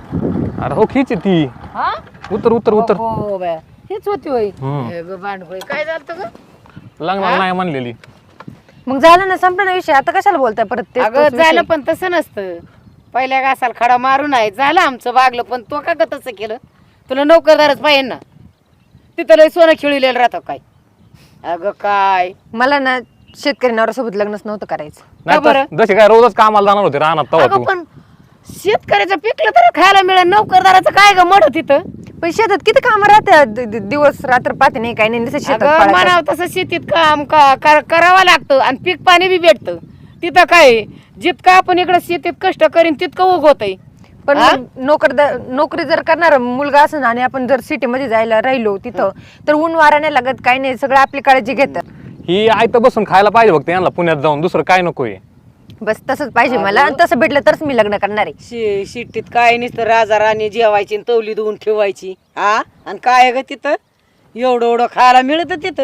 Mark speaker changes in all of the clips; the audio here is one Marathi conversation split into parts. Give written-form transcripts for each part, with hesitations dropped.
Speaker 1: अरे हो खीच ती
Speaker 2: हा
Speaker 1: उतर उतर उतर
Speaker 2: हो बे हेच होती होय
Speaker 1: हम्म.
Speaker 2: भांडखोळी काय झालं ग
Speaker 1: लग्नाला नाही म्हणलेली.
Speaker 3: मग झालं ना संपलं ना विषय आता कशाला बोलताय परत तेच
Speaker 2: अगं
Speaker 3: तोच विषय.
Speaker 2: झालं पण तसं नसतं पहिल्या घासाला खडा मारून आहे झालं आमचं वागलं पण तो का ग तसं केलं तुला नोकरदारच पाहिजे ना तिथं लय सोनं खिळलेलं राहतं काय अगं काय
Speaker 3: मला ना शेतकरी नवऱ्यासोबत लग्नच नव्हतं करायचं.
Speaker 1: नाही
Speaker 2: बरं?
Speaker 1: तर जसे काय रोजच कामाला जाणार होते रानात तवा
Speaker 2: अगं
Speaker 1: तू
Speaker 2: पण शेतकऱ्याचं पिकलं तर खायला मिळेल नोकरदाराचं काय ग मड तिथं
Speaker 3: पण शेतात किती काम राहते दिवस रात्र पाहते नाही काही नाही नुसतं शेतात
Speaker 2: अगं
Speaker 3: पळायचं.
Speaker 2: म्हणावं तसं शेतीत काम करावं लागतं आणि पीक पाणी बी भेटतं तिथं काय जितकं आपण इकडं शेतीत कष्ट करीन तितकं उगवतंय
Speaker 3: पण
Speaker 2: हा?
Speaker 3: मग नोकरी जर करणार मुलगा असं आणि आपण जर सिटी मध्ये जायला राहिलो तिथं तर ऊन वारा नाही लागत काही नाही सगळं आपली काळजी घेतात.
Speaker 1: ही आयतं बसून खायला पाहिजे फक्त यांना पुण्यात जाऊन दुसरं काय नकोय.
Speaker 3: बस तसंच पाहिजे मला आणि तसं भेटलं तरच मी लग्न करणार आहे.
Speaker 2: शिट्टीत काय नसतं राजा राणी जेवायची आणि तवली धुवून ठेवायची हा आणि काय ग तिथं एवढं एवढं खायला मिळतं तिथं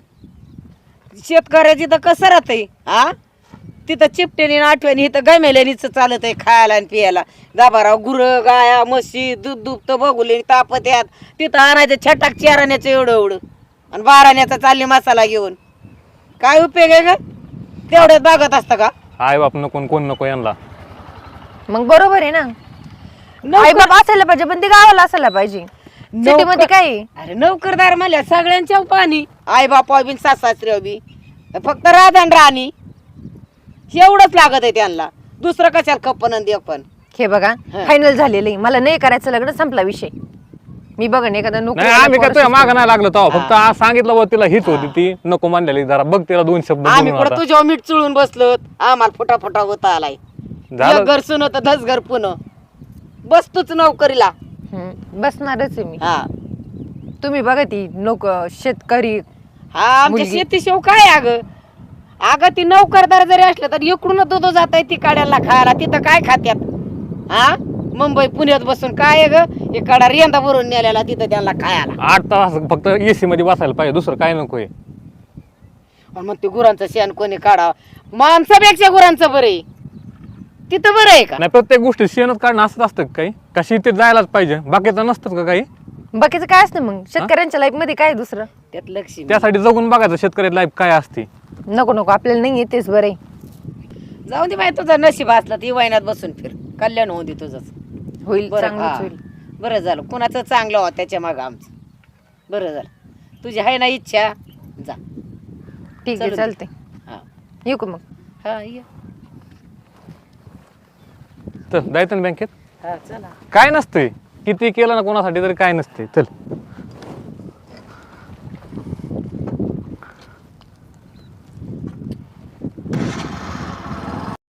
Speaker 2: शेतकऱ्याची तर कसं राहतंय हा तिथं चिपटेने आठवणी इथं गमेल्यानीच चालत आहे खायला आणि पियाला दाबाराव गुरं गाया म्हशी दूध दुभतं बघुले तापत यात तिथं आणायचं छटाक चाराण्याचं एवढं एवढं आणि बाराण्याचा चालली मसाला घेऊन काय उपयोग आहे ग तेवढ्यात बागत असतं का
Speaker 1: आई बाप नको आणि कोण नको यांना.
Speaker 3: मग बरोबर आहे ना आई बाबा असायला पाहिजे पण ते गावाला असायला पाहिजे. सिटी मध्ये काय आहे?
Speaker 2: अरे नोकरदार म्हणल्या सगळ्यांच्या पाणी आई बापा बी सासऱ्या बी फक्त राधन राणी एवढंच लागत आहे त्यांना दुसरं कशाला खप्पन आणि देवपण
Speaker 3: हे बघा फायनल झालेलं आहे मला नाही करायचं लग्न संपला विषय. मी बघा एखादा
Speaker 1: नाही आम्ही काय तुझ्या मागं नाही लागलो तेव्हा फक्त आज सांगितलं बा तिला हीच होती ती नको म्हणलेली जरा बघ तिला दोन शब्द
Speaker 2: आम्ही
Speaker 1: बोलून
Speaker 2: पुढे
Speaker 1: आता.
Speaker 2: तुझ्या मीठ चुळून बसलो आम्हाला फुटा फुटा होता आलाय
Speaker 1: झालं.
Speaker 2: घर सुन होतं धस घर पुन बस तूच नोकरीला
Speaker 3: बसणारच आहे मी.
Speaker 2: हा
Speaker 3: तुम्ही बघा ती शेतकरी
Speaker 2: हा आमच्या
Speaker 3: मुलगी.
Speaker 2: शेतीशिव काय अगं ती नोकरदार जरी असलं तर इकडून दूध जात आहे ती काड्याला खायला तिथं काय खात्यात हा मुंबई पुण्यात बसून काय आहे ग इकडा रेंदा भरून नेलेला तिथं त्यांना खायला
Speaker 1: 8 तास फक्त एसी मध्ये बसायला पाहिजे दुसरं काय नकोय.
Speaker 2: आणि मग ते गुरांचं शेण कोणी काढा माणसापेक्षा गुरांचं बरं आहे तिथं बरं आहे का
Speaker 1: नाही प्रत्येक गोष्टी शेणच काढणं असंच असतं का काही का शेतीत जायलाच पाहिजे बाकीचं नसतं का काही.
Speaker 3: बाकीचं काय असतं मग शेतकऱ्यांच्या लाईफ मध्ये काय दुसरं
Speaker 2: त्यात लक्ष
Speaker 1: त्यासाठी जगून बघायचं शेतकरी लाईफ काय असते.
Speaker 3: नको नको आपल्याला नाही येतेच बरं आहे.
Speaker 2: जाऊ दे बाई तुझा नशीब असला ती वैनात बसून फिर कल्याण होऊ दे तुझंच
Speaker 3: होईल
Speaker 2: बरं
Speaker 3: चांगलंच
Speaker 2: हा.
Speaker 3: होईल.
Speaker 2: बरं झालं कुणाचं चांगलं हो त्याच्या मागं आमचं बरं झालं तुझी आहे ना इच्छा जा
Speaker 3: ठीक आहे
Speaker 2: चलू दे.
Speaker 3: चालते
Speaker 2: हा
Speaker 3: येऊ का मग.
Speaker 2: हा ये
Speaker 1: तर जायचं ना बँकेत
Speaker 2: हा चला
Speaker 1: काय नसतंय किती केलं ना कोणासाठी तरी काय नसते चल.